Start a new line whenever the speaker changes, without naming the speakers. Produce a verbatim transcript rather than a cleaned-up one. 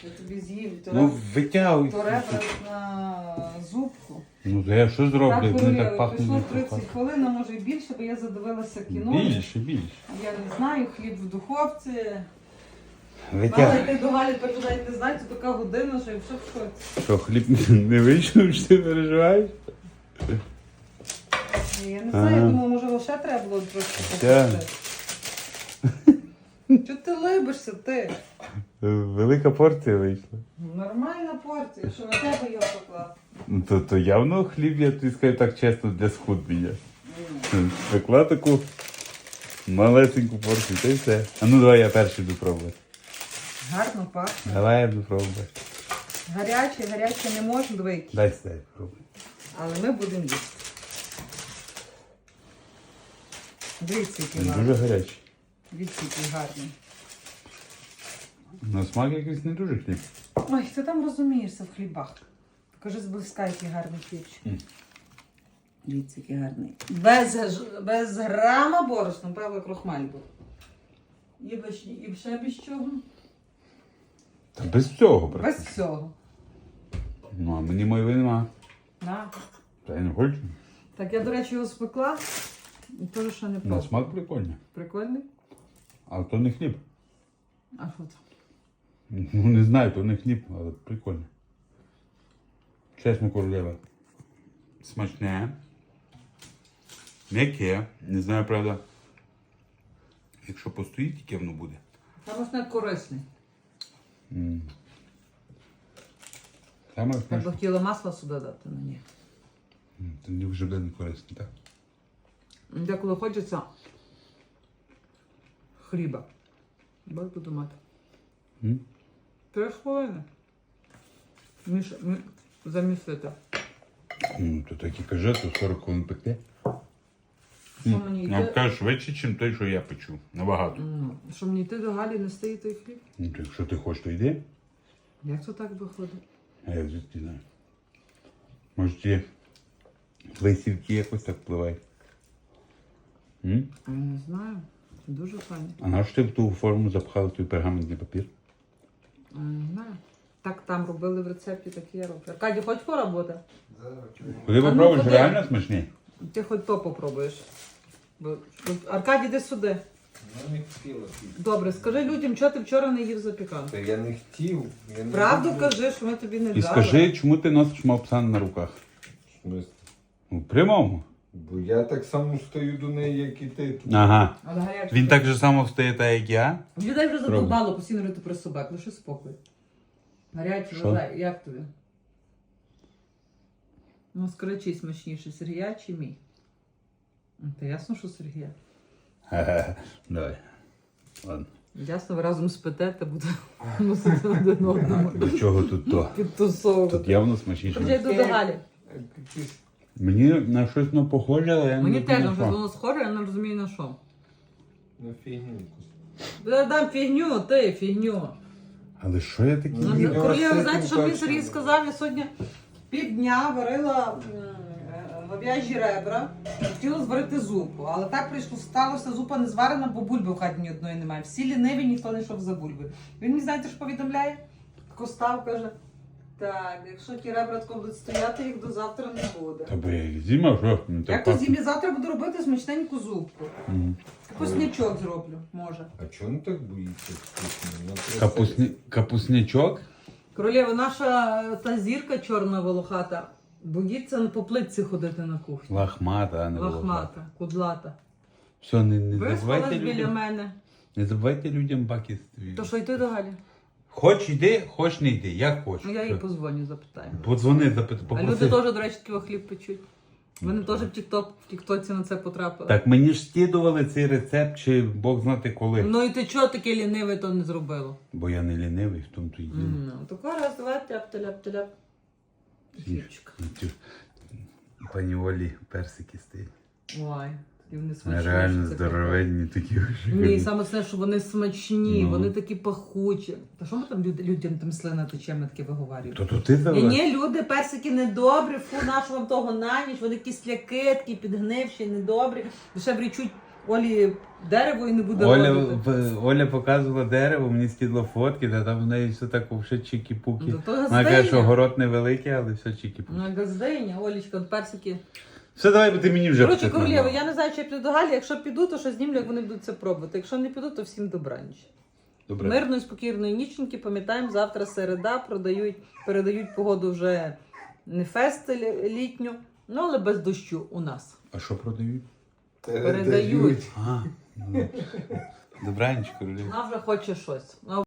Я тобі з'їв. То
Ну,
раз-
витягуй.
то ребра на зубку.
Ну, то я що
Так,
зроблю? Вони
Королєва,
так пахнуть.
пішло
не
тридцять
пахнуть.
хвилин, а може і більше, бо я задивилася кіно.
Більше, більше.
Я не знаю, хліб в духовці. Мала
Витягуй.
йти до Галі, тепер вже навіть не знаю, це така година, що я все в шоці.
Що, хліб не вийшов, що ти переживаєш?
Я не знаю,
Ага.
я думала, може лише треба було трошки
Так.
попити. Чого ти либишся, ти?
Велика порція вийшла.
Нормальна порція, що на тебе його поклав.
Ну, то, то явно хліб, я тобі скажу так чесно, для схуднення. Пекла таку малесеньку порцію, та й все. А ну давай я перший буду пробувати.
Гарно пахне.
Давай я буду пробувати.
Гаряче, гаряче не можна двійки.
Дай сюди пробуй.
Але ми будемо їсти. Дивіться, який
Він
гарний.
дуже гарячий.
Дивіться, який гарний.
На смак якийсь не дуже хліб.
Ой, ти там розумієшся в хлібах. Покажи зблизька, який гарний хлібчик.
М.
Дивіться, який гарний. Без, гаж- без грама борошна, правда, крохмаль був. І, без, і ще без чого?
Та без цього, брат.
Без всього.
Ну, а мені моєї нема.
На.
Та я не хочу.
Так, я, до речі, його спекла. І теж ще не
На
пробувала.
смак прикольний.
Прикольний?
Але то не хліб.
А що це?
Ну не знаю, то не хліб, але прикольно. Чесно, королева. Смачне. М'яке. Не знаю, правда. Якщо постоїть, яке воно буде.
Там ось не корисний.
М. Саме
Я б
смачне.
хотіла масло сюди дати, ну ні.
М, Це не вже не корисно, так?
Деколи хочеться хліба. Бак буду мати.
М?
Три хвилини. Міш... мі- Замісити.
Ну, то так і каже, то сорок хвилин пекти.
Що мені
Я вам
йти?
кажу, швидше, ніж той, що я печу. Набагато.
М, Що мені йти до Галі нести їй той хліб?
Ну, то якщо ти хочеш, то йди.
Як це так виходить?
А я звідки знаю. Може, ті твої сівки якось так впливають. М?
Я не знаю. Дуже файно.
А на що ти в ту форму запхала той пергаментний папір?
Я не знаю. Так там робили в рецепті, так і я роблю. Аркадій, хоч поработи?
Коли
А ну,
попробуєш,
ходи.
реально смачні?
Ти хоч то попробуєш. Бо- от, Аркадій, іди сюди.
Ну, не хотіла піти.
Добре, скажи людям, чого ти вчора не їв запіканку.
Та я не хотів. Я не
Правду
люблю.
кажи, що ми тобі не
І
дали.
скажи, чому ти носиш мавпсан на руках?
В смислі?
Ну, прямому.
Бо я так само стою до неї, як і ти. тут.
Ага.
Але гаряче.
Він так же само встає, так як я.
Людей вже задовбало постійно рити про собак, лише спокій. Гаряче,
Що?
вважай, як тобі? Ну, скажи, чий смачніше, Сергія чи мій? Ну, Та ясно, що Сергія.
Ха-ха. Давай. Ладно.
Ясно, ви разом спите, та буде мусити один одному
До чого тут то?
підтусовувати.
Тут явно смачніше.
Вже йду до Галі.
Е, якісь-
Мені на щось не похоже, але я не
Мені теж
розумію,
вже
що.
воно схоже, я не розумію на що.
Ну, фігню.
Я дам фігню, ти фігню.
Але що я такий?
Ну,
Ні,
Королева,
ну,
знаєте,
це
що мені
точно.
Сергій сказав? Я сьогодні півдня варила м, е, говяжі ребра, хотіла зварити зупу, але так прийшло, сталося, зупа не зварена, бо бульби в хаті ні одної немає. Всі ліниві, ніхто не йшов за бульбою. Він мені, знаєте, що повідомляє? Костав каже, так, якщо ті ребра тако будуть стояти, їх до завтра не буде.
Та бо я їх зімав, що? Ну, так
Як то
пахне.
зім'я завтра буду робити смачненьку зупку.
Мгм.
Капуснячок зроблю, може.
А чого не так боїться? вкусно? Ну, просто-
Капусні... Капуснячок?
Королева, наша е, та зірка чорна волохата боїться по плитці ходити на кухні.
Лахмата, а не волохата.
Лахмата, кудлата.
Все, не, не
Виспалась
забувайте
біля
людям.
мене.
Не забувайте людям баки.
То що йти до Галі?
Хоч йди, хоч не йди, як хочеш.
Ну, я їй позвоню, запитаю.
Подзвони, запит,
А
попроси.
люди теж, до речі, такий хліб печуть. Вони теж в тікток, в тіктоці на це потрапили.
Так мені ж скидували цей рецепт, чи Бог знати коли.
Ну і ти чого таке ліниве то не зробило?
Бо я не лінивий, в тому то й діло.
Ну, тако раз, давай, тяп-теляп-теляп. Хлібчик.
Ті- Пані Олі персики стоять.
Ой, такі вони смачні.
Реально
що це
здоровенні такі.
Ні, саме це, що вони смачні,
Ну.
вони такі пахучі. Та що ми там люд- людям там слина тече, ми таке виговорюємо?
То то ти
Ні,
завез?
ні, люди, персики недобрі, фу, нашу вам того на ніч, вони кисляки, такі підгнивші, недобрі. Ще врічуть Олі дерево і не буде
Оля,
родити.
в- Оля показувала дерево, мені скидала фотки, та там в неї все так вже чікі-пуки.
Ну, то
Вона каже,
газдиня.
що город невеликий, але все чікі-пуки.
Ну, газдиня, Олічка, от персики.
Все, давай, бо ти мені вже
Коротше,
почетна.
королєва, я не знаю, чи я піду до Галі. Якщо піду, то що знімлю, як вони будуть це пробувати. Якщо не піду, то всім добраніч.
Добре.
Мирної, спокійної ніченьки. Пам'ятаємо, завтра середа, продають, передають погоду вже не фест лі- літню, ну але без дощу у нас.
А що продають?
Передають.
А, ну. Добранч, королева.
Вона вже хоче щось. Вона